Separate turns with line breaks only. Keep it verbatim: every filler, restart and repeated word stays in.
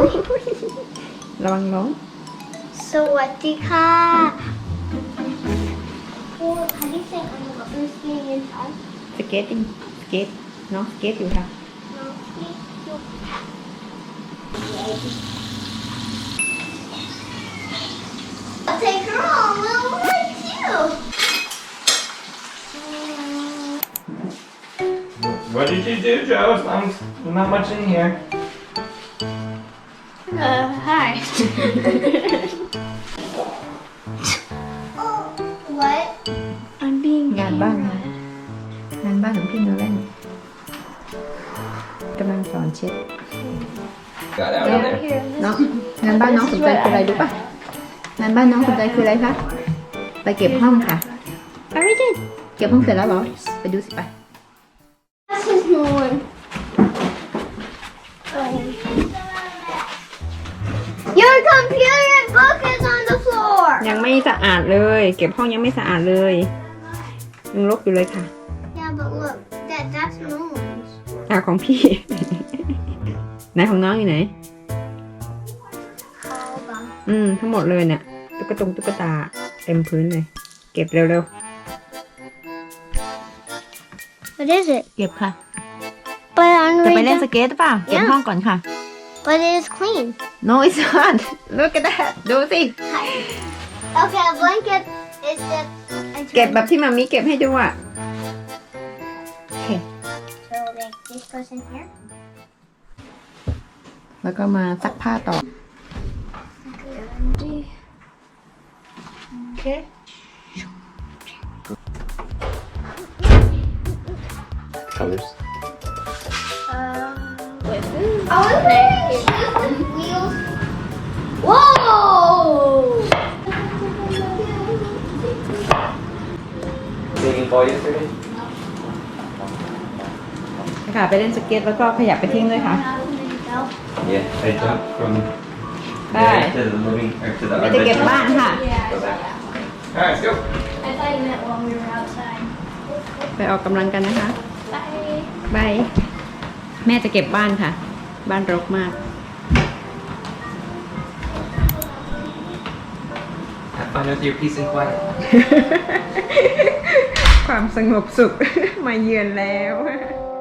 ระวังล้ม
สวัสดีค่ะโอ้คันที่เซ็งอันนี้ก็เป็นสกีนค่ะ
สเก็ตติ้งสเก็ตน้องสเก็ตอยู่ค่ะ
น้องที่ยุกค่ะ I'll take her home, little one too.
What did you do, Joe? As long as there's not much in here.
Uh, hi. Oh, what? I'm being
งานบ้านนะงานบ้านของพี่โนแลนกำลังสอนเช็ด
Got out
Yeah.
of there.
Here,
น้องงานบ้านน้องสนใจคืออะไรรู้ปะงานบ้านน้องสนใจคืออะไรคะไปเก็บห้องค่ะ
I already did.
เก็บห้องเสร็จแล้วเหรอไปดูสิไป
That's his new one. Your computer and book is on the floor.
ยังไม่สะอาดเลย เก็บห้องยังไม่สะอาดเลยยังรกอยู่เลยค่ะ
Yeah, but look, that that's no one's.
อ่าของพี่ ไหนของน้องอยู่ไหน
Hold on.
อืมทั้งหมดเลยเนี่ยตุ๊กตงตุ๊กตาเต็มพื้นเลย เก็บเร็ว
What is it?
ๆเก็บค่ะ
But I'm
จะไป
ready.
เล่นสเก็ตหรือเปล่าเก็บห้องก่อนค่ะ
But it is clean.
No it's not look at that ดูสิ
Okay, a blanket is just.
เก็บแบบที่มามีเก็บให้ดูอ่ะโอเค
So like this goes in here.
แล้วก็มาซักผ้าต่อ
Okay.
Colors.
Uh, wait. I was wearing shoes with wheels. Whoa!
Baking ball yesterday?
ค่ะไปเล่นสเก็ตแล้วก็ขยับไปทิ้งด้วยค่ะ
Yeah. I jumped from
Bye.
there to the living or to the
ไป
our
จะเก็บ
bedroom.
บ้านค่ะ
Go back. All right, let's go.
I thought you meant when we were outside.
ไปออกกำลังกันนะคะ
Bye.
บายแม่จะเก็บบ้านค่ะ บ้านรกมาก
Have fun with your peace and quiet.
ความสงบสุข มาเยือนแล้ว